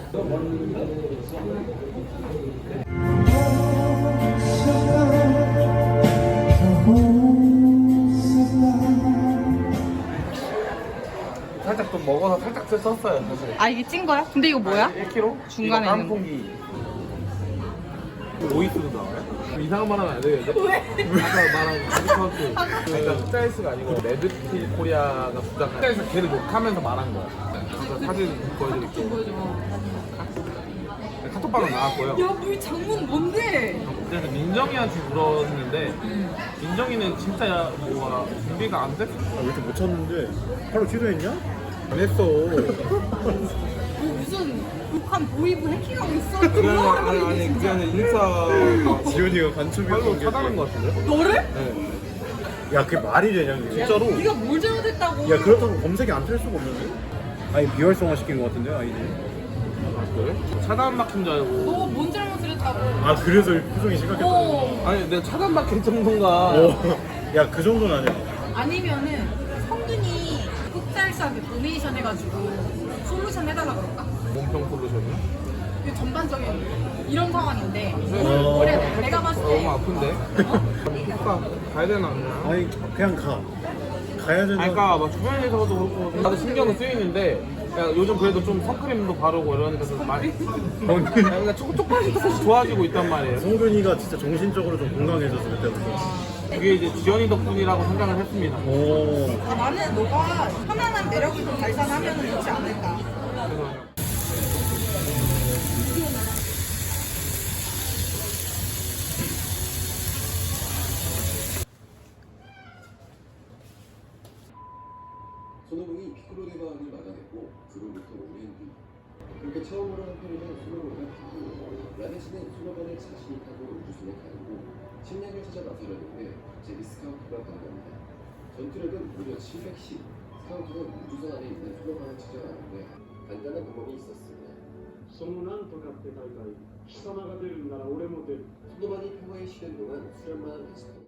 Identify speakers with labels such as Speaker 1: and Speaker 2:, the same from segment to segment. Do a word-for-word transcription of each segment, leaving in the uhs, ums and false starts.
Speaker 1: 살짝 좀 먹어서 살짝 썼어요 사실.
Speaker 2: 아 이게 찐 거야? 근데 이거 뭐야?
Speaker 1: 일 킬로그램?
Speaker 2: 중간에
Speaker 1: 이거
Speaker 2: 있는 거.
Speaker 1: 깐풍기. 오이스도 나와요? 이상한 말 하면 안 되겠는데? 왜? 아까 말한 디스카운트. 그러니까 숫자일스가 아니고 레드필 코리아가 부탁한 숫자일스 걔를 욕하면서 말한 거야. 그래서 사진 보여드릴게요. 카톡방은 나왔고요.
Speaker 2: 야, 물 장문 뭔데?
Speaker 1: 그래서 민정이한테 물었는데 민정이는 진짜 뭐가 준비가 안 됐어.
Speaker 3: 아, 왜 이렇게 못 찾는데? 하루 취소했냐? 안 했어.
Speaker 2: 뭐 무슨 북한 보이브 해킹하고 있어?
Speaker 1: 그게 아니라, 아니, 아니 그게 아니라 인스타
Speaker 3: 지훈이가 간첩이었던
Speaker 1: 팔로
Speaker 3: 게.
Speaker 1: 차단한 것 같은데?
Speaker 2: 너를?
Speaker 1: 네.
Speaker 3: 야, 그게 말이 되냐, 그게?
Speaker 1: 진짜로?
Speaker 2: 네가 뭘 잘못했다고?
Speaker 3: 야, 그렇다고 검색이 안 될 수가 없는데? 아니, 비활성화 시킨 것 같은데, 아이디.
Speaker 1: 아 그래? 차단 막힌 줄 알고.
Speaker 2: 너 뭔 잘못을 했다고?
Speaker 3: 아, 그래서 표정이 심각했다.
Speaker 2: 어.
Speaker 1: 아니 내가 차단 막힐 정도인가.
Speaker 3: 어. 야, 그 정도는 아니야.
Speaker 2: 아니면은 성균이 흑달사하게 도네이션 해가지고 솔루션 해달라 그럴까?
Speaker 1: 몸평 솔루션이요?
Speaker 2: 이게 전반적인 이런 상황인데
Speaker 3: 어.
Speaker 2: 그래 내가 봤을 때
Speaker 1: 너무 아픈데? 효과 가야 되나 안 되나?
Speaker 3: 아니, 그냥 가. 가야 되는.
Speaker 1: 아니, 그러니까 막 주변에서도 그렇고 나도 신경은 쓰이는데 야, 요즘 그래도 좀 선크림도 바르고 이러니까 좀 많이 그러니까 조금 조금씩 조금씩 좋아지고 있단 말이에요.
Speaker 3: 성균이가 진짜 정신적으로 좀 건강해져서 그때부터.
Speaker 1: 그게 이제 지연이 덕분이라고 생각을 했습니다.
Speaker 3: 오.
Speaker 2: 아, 나는 너가 편안한 매력을 좀 발산하면 좋지 않을까.
Speaker 1: 그래서
Speaker 4: 손오공이 피크로네바를 막아냈고 그로부터 오 년 뒤 그렇게 처음으로 한 편이던 손오공과 피크 라데시는 손오공을 자신이 타고 우주선에 가르고 식량을 찾아 나서려는데 갑자기 스카우트가 반갑니다. 전투력은 무려 칠백십. 스카우트는 우주선 안에 있는 손오공을 찾아가는데 간단한 방법이 있었습니다.
Speaker 5: そのなんとかって大会貴様が出るんなら俺も出る
Speaker 4: 손오공이 평화에 쉬는 동안 수련만한 배치다.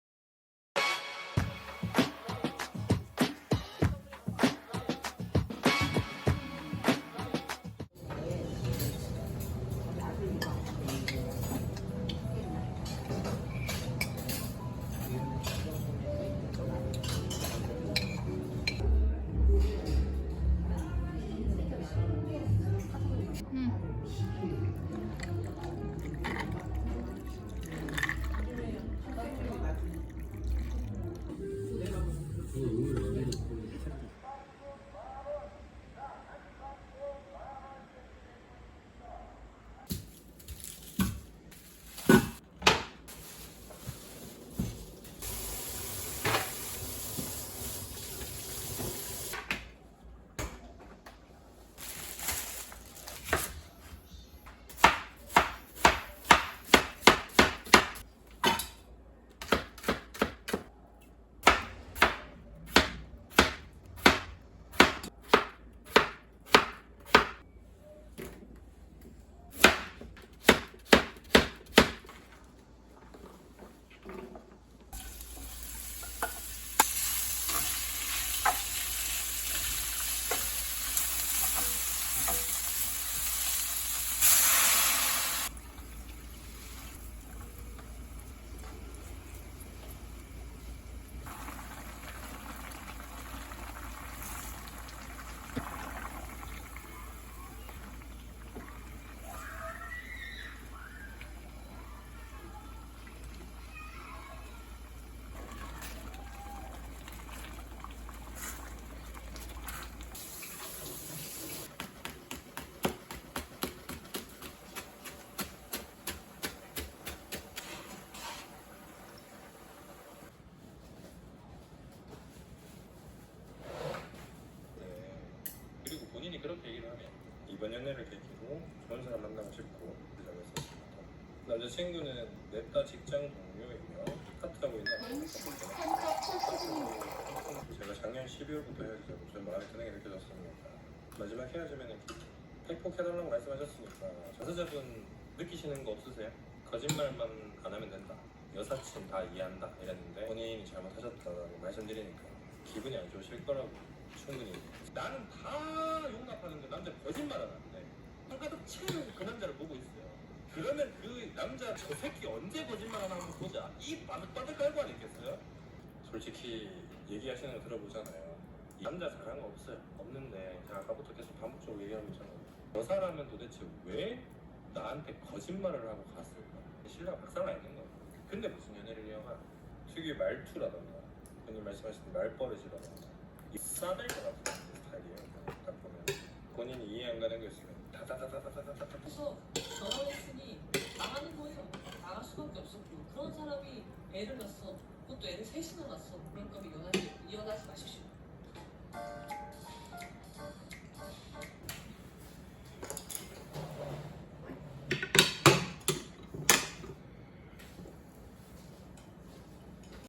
Speaker 6: 본인이 그렇게 얘기를 하면 이번 연애를 계기로 좋은 사람 만나고 싶고 그러고 있었습니다. 남자친구는 냅다 직장 동료이며 파트하고 있는 제가 작년 십이월부터 헤어지자고 좀 마음에 드는 게 느껴졌습니다. 마지막 헤어지면 팩폭해달라고 말씀하셨으니까 자서자분 느끼시는 거 없으세요? 거짓말만 안 하면 된다, 여사친 다 이해한다 이랬는데 본인이 잘못하셨다고 말씀드리니까 기분이 안 좋으실 거라고 충분히. 나는 다 용납하는데 남자 거짓말 안 하는데 한가득 그러면 그 남자 저 새끼 언제 거짓말 하나 한번 보자. 이 바득바득 깔고 아니겠어요? 솔직히 얘기하시는 거 들어보잖아요. 이 남자 잘한 거 없어요. 없는데 제가 아까부터 계속 반복적으로 얘기하고 있잖아요. 저 사람은 도대체 왜 나한테 거짓말을 하고 갔을까? 신뢰가 박살나 있는 거예요. 근데 무슨 연애를 이어가? 특유의 말투라던가 형님 말씀하신 말버릇이라던가 이 싸댈 것 같은 스타일이에요. 딱 보면 본인이 이해 안 가는 게 있으면 다다다다다다다다
Speaker 7: 그래서 결혼했으니 나가는 거예요. 나갈 수밖에 없었고 그런 사람이 애를 낳았어. 그것도 애를 셋이나 낳았어. 그럴 거면 이혼하지, 이혼하지 마십시오.